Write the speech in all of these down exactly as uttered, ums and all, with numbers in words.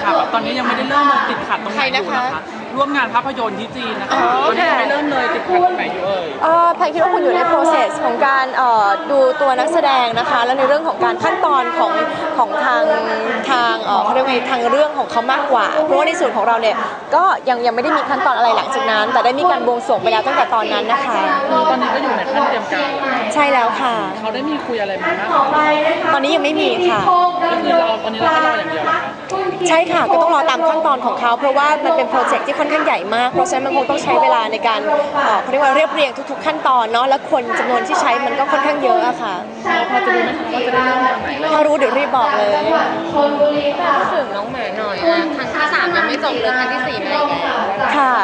ค่ะแบบตอนนี้ยังไม่ได้เริ่มเลยติดขัดตรงไหนอยู่นะคะร่วมงานภาพยนตร์ที่จีนนะคะตอนนี้ยังไม่เริ่มเลยติดขัดตรงไหนอยู่เอ่ยแพนคิดว่าคุณอยู่ใน process ของการดูตัวนักแสดงนะคะแล้วในเรื่องของการขั้นตอนของของทางทางเขาเรียกว่าทางเรื่องของเขามากกว่าเพราะว่าในส่วนของเราเนี่ยก็ยังยังไม่ได้มีขั้นตอนอะไรหลังจากนั้นแต่ได้มีการบวงสรวงไปแล้วตั้งแต่ตอนนั้นนะคะตอนนี้ก็อยู่ในขั้นเตรียมการใช่แล้วค่ะเขาได้มีคุยอะไรมาบ้างตอนนี้ยังไม่มีค่ะก็คือเราตอนนี้เรารออย่างเดียวใช่ค่ะก็ต้องรอตามขั้นตอนของเขาเพราะว่ามันเป็นโปรเจกต์ที่ค่อนข้างใหญ่มากเพราะฉะนั้นมันคงต้องใช้เวลาในการเขาเรียกว่าเรียบเรียงทุกๆขั้นตอนเนาะแล้วคนจำนวนที่ใช้มันก็ค่อนข้างเยอะอะค่ะเราพอจะรู้ไหมว่าจะได้เริ่มตอนไหนถ้ารู้เดี๋ยวรีบบอกเลยพูดถึงน้องหมาหน่อยนะครั้งที่สามยังไม่จบเลยครั้งที่สี่มาอีกแล้วค่ะ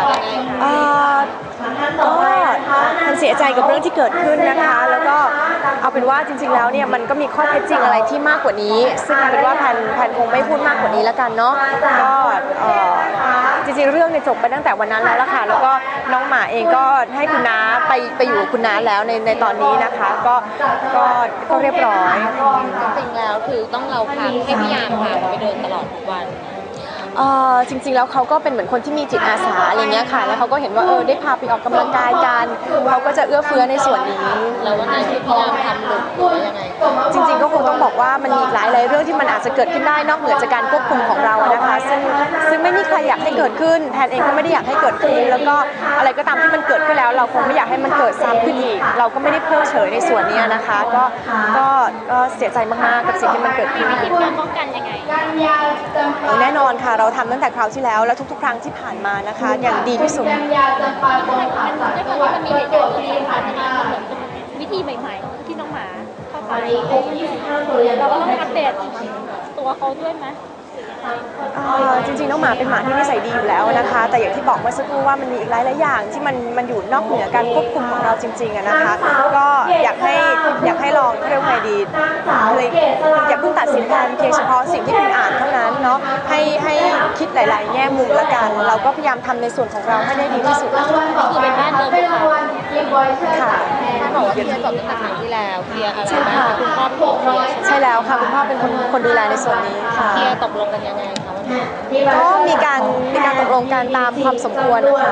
ก็มันเสียใจกับเรื่องที่เกิดขึ้นนะคะแล้วก็เอาเป็นว่าจริงๆแล้วเนี่ยมันก็มีข้อเท็จจริงอะไรที่มากกว่านี้ซึ่งเอาเป็นว่าแพนแพนคงไม่พูดมากกว่านี้แล้วกันเนาะก็จริงๆเรื่องเนี่ยจบไปตั้งแต่วันนั้นแล้วล่ะค่ะแล้วก็น้องหมาเองก็ให้คุณน้าไปไปอยู่กับคุณน้าแล้วในในตอนนี้นะคะก็ก็ก็เรียบร้อยจริงๆแล้วคือต้องเราพาให้พี่ยามพาไปเดินตลอดทุกวันจริงๆแล้วเขาก็เป็นเหมือนคนที่มีจิตอาสาอะไรเงี้ยค่ะแล้วเขาก็เห็นว่าเออได้พาไปออกกำลังกายกันเขาก็จะเอื้อเฟื้อในส่วนนี้แล้ววันนั้นที่พี่ยามทำหลุดหรือยังไงจริงๆก็คงต้องบอกว่ามันมีหลายหลายเรื่องที่มันอาจจะเกิดขึ้นได้นอกเหนือจากการควบคุมของเรานะคะซึ่งซึ่งไม่มีใครอยากให้เกิดขึ้นแพนเองก็ไม่ได้อยากให้เกิดขึ้นแล้วก็อะไรก็ตามที่มันเกิดขึ้นแล้วเราคงไม่อยากให้มันเกิดซ้ำขึ้นอีกเราก็ไม่ได้เพิกเฉยในส่วนนี้นะคะก็ก็ก็เสียใจมากๆกับสิ่งที่มันเกิดขึ้นมีวิธีป้องกันยังไงแน่นอนค่ะเราทำตั้งแต่คราวที่แล้วและทุกๆครั้งที่ผ่านมานะคะอย่างดีที่สุดมันมีเหตุการณ์ที่ผ่านมาเหมือนวิธีใหม่ๆที่น้องหมาเข้าไปเราก็ต้องอัปเดตตัวเขาด้วยไหมจริงๆน้องหมาเป็นหมาที่นิสัยดีอยู่แล้วนะคะแต่อย่างที่บอกเมื่อสักครู่ว่ามันมีอีกหลายๆอย่างที่มันมันอยู่นอกเหนือการควบคุมของเราจริงๆนะคะก็อยากให้อยากให้ลองเรียกว่าไงดีเลยอย่าเพิ่งตัดสินกันเพียงเฉพาะสิ่งที่คุณอ่านเท่านั้นเนาะให้ให้คิดหลายๆแง่มุมละกันเราก็พยายามทำในส่วนของเราให้ได้ดีที่สุดคือเป็นบ้านเดิมค่ะค่ะบอกว่าเคลียร์จบตั้งแต่ครั้งที่แล้วเคลียร์อะไรบ้างคุณพ่อเป็นคนเคลียร์ใช่แล้วค่ะคุณพ่อเป็นคนคนดูแลในส่วนนี้ค่ะเคลียร์ตกลงกันยังไงคะก็มีการมีการตกลงกันตามความสมควรค่ะ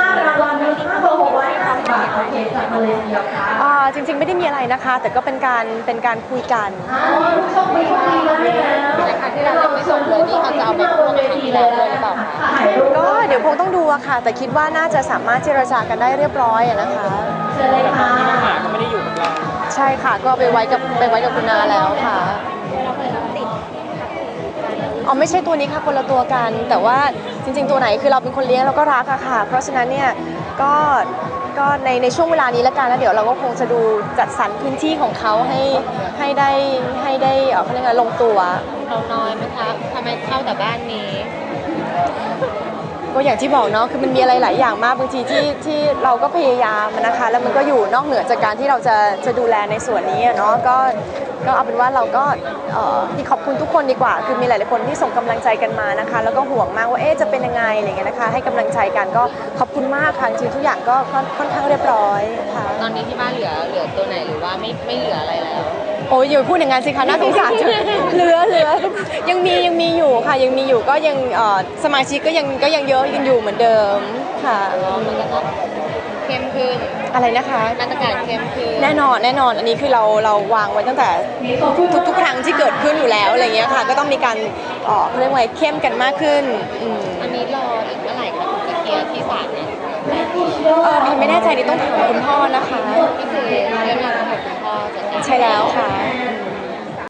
จริงๆไม่ได้มีอะไรนะคะแต่ก็เป็นการเป็นการคุยกันในครั้งที่เราไม่ส่งเลยนี่เขาจะเอาไปพูดในครั้งที่แล้วด้วยหรือเปล่าคะก็เดี๋ยวคงต้องดูอะค่ะแต่คิดว่าน่าจะสามารถเจรจากันได้เรียบร้อยนะคะแต่ตอนนี้น้องหมาก็ไม่ได้อยู่กับเราใช่ค่ะก็ไปไว้กับไปไว้กับคุณนาแล้วค่ะอ๋อไม่ใช่ตัวนี้ค่ะคนละตัวกันแต่ว่าจริงๆตัวไหนคือเราเป็นคนเลี้ยงเราก็รักอะค่ะเพราะฉะนั้นเนี่ยก็ก็ในในช่วงเวลานี้ละกันแล้วเดี๋ยวเราก็คงจะดูจัดสรรพื้นที่ของเขาให้ให้ได้ให้ได้เขาเรียกว่าลงตัวเราน้อยไหมคะทำไมเข้าแต่บ้านนี้ก็อย่างที่บอกเนาะคือมันมีอะไรหลายอย่างมากบางทีที่ที่เราก็พยายามนะคะแล้วมันก็อยู่นอกเหนือจากการที่เราจะจะดูแลในส่วนนี้เนาะก็ก็เอาเป็นว่าเราก็ที่ขอบคุณทุกคนดีกว่าคือมีหลายๆคนที่ส่งกำลังใจกันมานะคะแล้วก็ห่วงมากว่าเอ๊ะจะเป็นยังไงอะไรเงี้ยนะคะให้กำลังใจกันก็ขอบคุณมากค่ะจริงทุกอย่างก็ค่อนข้างเรียบร้อยค่ะตอนนี้ที่บ้านเหลือเหลือตัวไหนหรือว่าไม่ไม่เหลืออะไรแล้วโอ้ยอย่าพูดอย่างนั้นสิคะน่าสงสารจังเหลือเหลือยังมียังมีอยู่ค่ะยังมีอยู่ก็ยังสมาชิกก็ยังก็ยังเยอะยังอยู่เหมือนเดิมค่ะมันก็เข้มขึ้นอะไรนะคะมาตรการเข้มขึ้นแน่นอนแน่นอนอันนี้คือเราเราวางไว้ตั้งแต่ทุกทุกครั้งที่เกิดขึ้นอยู่แล้วอะไรเงี้ยค่ะก็ต้องมีการเขาเรียกว่าเข้มกันมากขึ้นอันนี้รออีกเมื่อไหร่คะถึงจะเคลียร์ที่ศาลเนี่ยเออพี่ไม่แน่ใจนี่ต้องถามคุณพ่อนะคะก็คือเรื่องราวของคุณพ่อจะใช่แล้วค่ะ